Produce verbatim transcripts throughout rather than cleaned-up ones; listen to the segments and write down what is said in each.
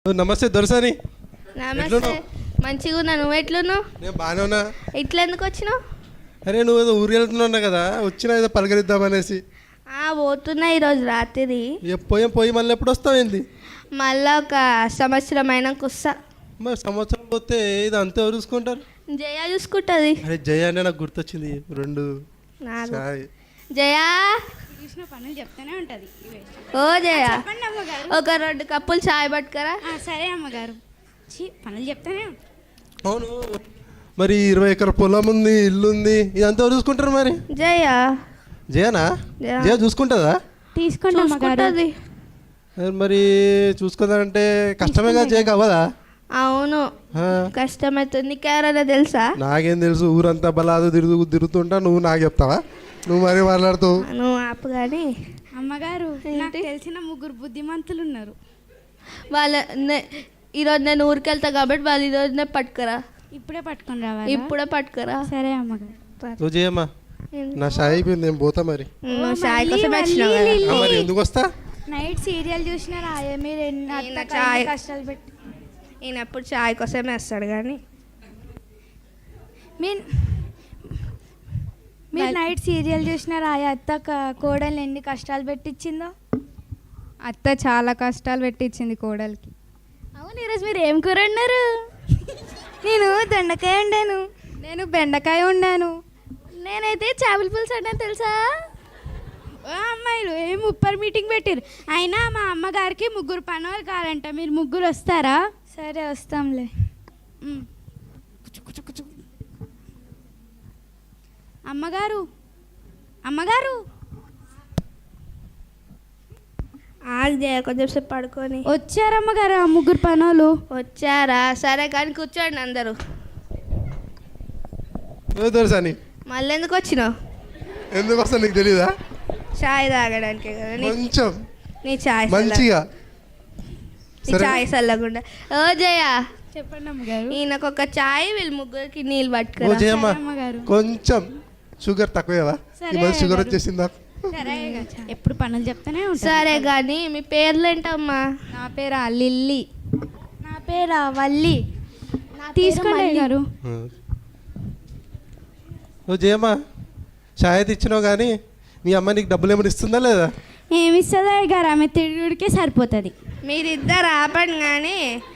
నమస్తే దొరసాని. నమస్తే. మంచిగా ఉన్నా, నువ్వు ఎట్లున్నావు? నేను బాగానే ఉన్నా. ఇట్లా ఎందుకు వచ్చినావు? అరే నువ్వు ఏదో ఊరు వెళ్తున్నా కదా, వచ్చినా ఏదో పలకరిద్దామనేసి. పోతున్నా ఈరోజు రాత్రి. పోయి పోయి మళ్ళీ ఎప్పుడు వస్తావు ఏంది? మళ్ళీ ఒక సంవత్సరం అయినాక వస్తా. మరి సంవత్సరం పోతే ఇది అంతా ఎవరు చూసుకుంటారు? జయ చూసుకుంటుంది. అరే జయ అంటే నాకు గుర్తొచ్చింది. రెండు జయా చూసిన పనులు చెప్తానే ఉంటుంది. ఓ జయ, ఒక రెండు కప్పులు చాయ్ పట్టుకరా. సరే అమ్మగారు. పనులు చెప్తానే. అవును, మరి ఇరవై ఎకర పొలం ఉంది, ఇల్లు ఉంది, ఇదంతా ఎవరు చూసుకుంటారు మరి? జయ జయనా? జయ చూసుకుంటుందా? తీసుకుంటుంది. మరి చూసుకుందంటే కష్టమే కదా, జయ అవ్వదా? అవును కష్టమవుతుంది. నీకెవరైనా తెలుసా? నాకేం తెలుసు, ఊరంతా బలాదు తిరుగు తిరుగుతుంటా, నువ్వు నాకు చెప్తావా? నువ్వు మరీ మాట్లాడుతావు. నువ్వు ఆపు కానీ. అమ్మగారు, నాకు తెలిసిన ముగ్గురు బుద్ధిమంతులు ఉన్నారు. వాళ్ళ ఈరోజు నేను ఊరికి వెళ్తా కాబట్టి వాళ్ళు ఈరోజునే పట్టుకురా. ఇప్పుడే పట్టుకొని రావాలి? ఇప్పుడే పట్టుకురా. సరే అమ్మగారు. నువ్వు చేయమ్మా, నా షాయి అయిపోయింది, నేను పోతా. మరి చాయ్ కోసం మరి ఎందుకు వస్తా? నైట్ సీరియల్ చూసినా రాయే మీరు చాయ్ కష్టాలు పెట్టి. ఈయన ఎప్పుడు చాయ్ కోసమే వస్తాడు కానీ. మీరు మీరు నైట్ సీరియల్ చూసినా రాయ అత్త కోడలు ఎన్ని కష్టాలు పెట్టించిందో. అత్త చాలా కష్టాలు పెట్టించింది కోడలికి. అవును, ఈరోజు మీరు ఏం కూర అన్నారు? నేను దొండకాయ వండాను. నేను బెండకాయ వండాను. నేనైతే చేపల పులుసు వండాను తెలుసా? అమ్మాయిలు ఏం ఉప్పర్ మీటింగ్ పెట్టారు. అయినా మా అమ్మగారికి ముగ్గురు పనులు కావాలంట. మీరు ముగ్గురు వస్తారా? సరే వస్తాంలే. అమ్మగారు అమ్మగారు ఆగే కొంచెం సేపు పడుకొని. వచ్చారమ్మగారు ఆ ముగ్గురు పనులు? వచ్చారా? సరే కానీ కూర్చోండి అందరూ. దొరసాని, మళ్ళీ ఎందుకు వచ్చినావు? ఎందుకు వస్తా నీకు తెలీదా? చాయ్ తాగడానికే కదా. కొంచెం నీ చాయ్ మంచిగా, నీ చాయ్ చల్లకుండా. ఓ జయ చెప్పండి అమ్మగారు. ఈయనకు ఒక చాయ్, వీళ్ళు ముగ్గురికి నీళ్ళు పట్టుకురా. కొంచెం షుగర్ తక్కువా? షుగర్ వచ్చేసింది నాకు. ఎప్పుడు పనులు చెప్తానే ఉంటా. సరే కానీ మీ పేర్లు ఏంటమ్మా? నా పేరు లిల్లీ. నా పేరు వల్లి. తీసుకోండి గారు. నువ్వు జయమ్మా, చాయ్ తెచ్చినావు కానీ మీ అమ్మ నీకు డబ్బులు ఏమైనా ఇస్తుందా లేదా? ఏమి ఇస్తుందా గారు? ఆమె తిరుగుడికే సరిపోతుంది. మీరిద్దరు ఆపండి కానీ.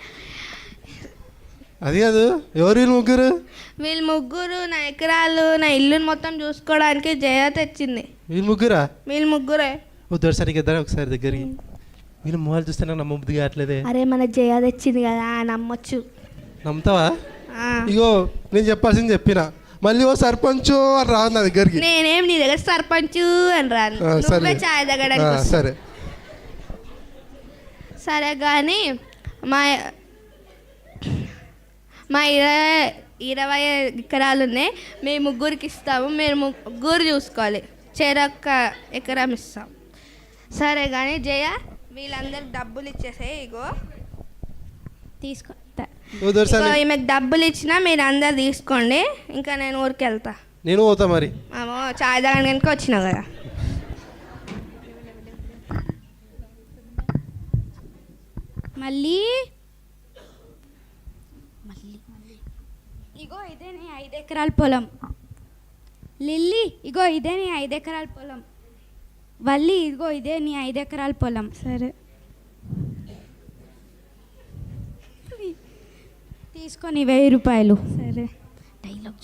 అది కాదు, ఎవరు వీళ్ళు ముగ్గురు? వీళ్ళు ముగ్గురు నా ఎకరాలు, నా ఇల్లుని మొత్తం చూసుకోవడానికి జయ తెచ్చింది. వీళ్ళు ముగ్గురా? వీళ్ళు ముగ్గురే. ఓ దొరసానికి ఇద్దరు ఒకసారి దగ్గరికి. వీళ్ళు మొహాలు చూస్తే నాకు నమ్మబుద్ధి కావట్లేదే. అరే మన జయ తెచ్చింది కదా, నమ్మొచ్చు. నమ్ముతావా? ఇగో నేను చెప్పాల్సింది చెప్పిన, మళ్ళీ ఓ సర్పంచ్ అని రాదు నా దగ్గరికి. నేనేం నీ దగ్గర సర్పంచ్ అని రాను. నువ్వే చాయ్ తగ్గడానికి. సరే సరే కానీ మా మా ఇరవై ఇరవై ఎకరాలు ఉన్నాయి. మేము ముగ్గురికి ఇస్తాము, మీరు ముగ్గురు చూసుకోవాలి. చెరొక్క ఎకరం ఇస్తాం. సరే కానీ జయ, వీళ్ళందరికి డబ్బులు ఇచ్చేసాయి. ఇగో తీసుకో. ఈమెకు డబ్బులు ఇచ్చినా మీరు అందరు తీసుకోండి. ఇంకా నేను ఊరికి వెళ్తా. నేను పోతా మరి. చాయ్ తాగడానికి వచ్చినావు కదా. మళ్ళీ ఇగో ఇదే నీ ఐదు ఎకరాల పొలం. లిల్లీ ఇగో ఇదే నీ ఐదు ఎకరాల పొలం. వల్లి ఇదిగో ఇదే నీ ఐదు ఎకరాల పొలం. సరే తీసుకొని వెయ్యి రూపాయలు. సరే డైలాగ్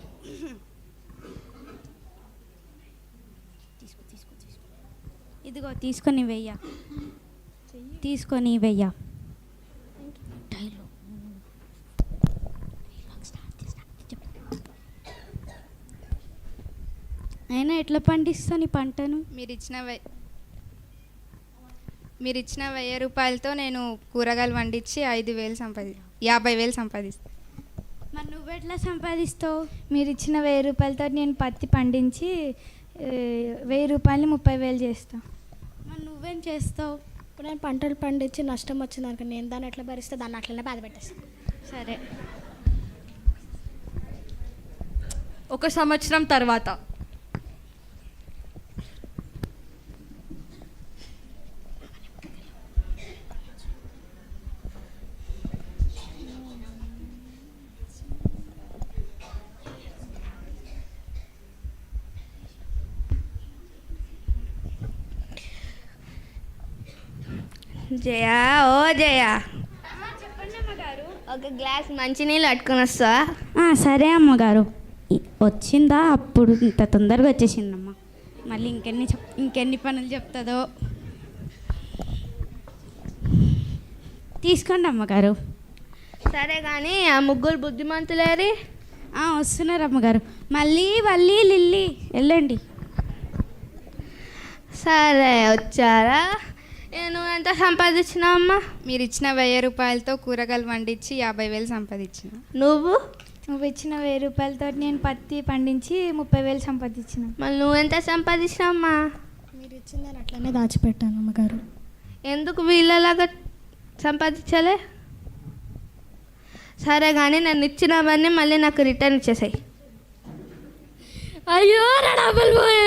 తీసుకో తీసుకో తీసుకో. ఇదిగో తీసుకొని వెయ్య, తీసుకొని వెయ్య. అయినా ఎట్లా పండిస్తాను ఈ పంటను? మీరు ఇచ్చిన వె మీరు ఇచ్చిన వెయ్యి రూపాయలతో నేను కూరగాయలు వండించి ఐదు వేలు సంపాది యాభై వేలు సంపాదిస్తాను. మరి నువ్వెట్లా సంపాదిస్తావు? మీరు ఇచ్చిన వెయ్యి రూపాయలతో నేను పత్తి పండించి వెయ్యి రూపాయలని ముప్పై వేలు చేస్తావు. మరి నువ్వేం చేస్తావు? ఇప్పుడు నేను పంటలు పండించి నష్టం వచ్చింది అనుకో, నేను దాన్ని ఎట్లా భరిస్తే దాన్ని అట్లనే బాధ పెట్టేస్తాను. సరే. ఒక సంవత్సరం తర్వాత జయ ఓ జయ ఒక గ్లాస్ మంచినీళ్ళు పట్టుకొని వస్తా. ఆ, సరే అమ్మగారు. ఇ- వచ్చిందా అప్పుడు ఇంత తొందరగా వచ్చేసిందమ్మా. మళ్ళీ ఇంకెన్ని చెప్ ఇంకెన్ని పనులు చెప్తుందో. తీసుకోండి అమ్మగారు. సరే కానీ ఆ ముగ్గురు బుద్ధిమంతులేరి. ఆ, వస్తున్నారు అమ్మగారు. మళ్ళీ మళ్ళీ లిల్లీ వెళ్ళండి. సరే వచ్చారా. నేను ఎంత సంపాదించినా అమ్మా? మీరు ఇచ్చిన వెయ్యి రూపాయలతో కూరగాయలు వండించి యాభై వేలు సంపాదించిన. నువ్వు నువ్వు ఇచ్చిన వెయ్యి రూపాయలతో నేను పత్తి పండించి ముప్పై వేలు సంపాదించిన. మళ్ళీ నువ్వెంత సంపాదించినావమ్మా? మీరు ఇచ్చిందని అట్లనే దాచిపెట్టాను అమ్మగారు. ఎందుకు వీళ్ళలాగా సంపాదించాలే? సరే కానీ నేను ఇచ్చినవన్నీ మళ్ళీ నాకు రిటర్న్ ఇచ్చేసాయి. అయ్యో నా డబ్బులు పోయాయి.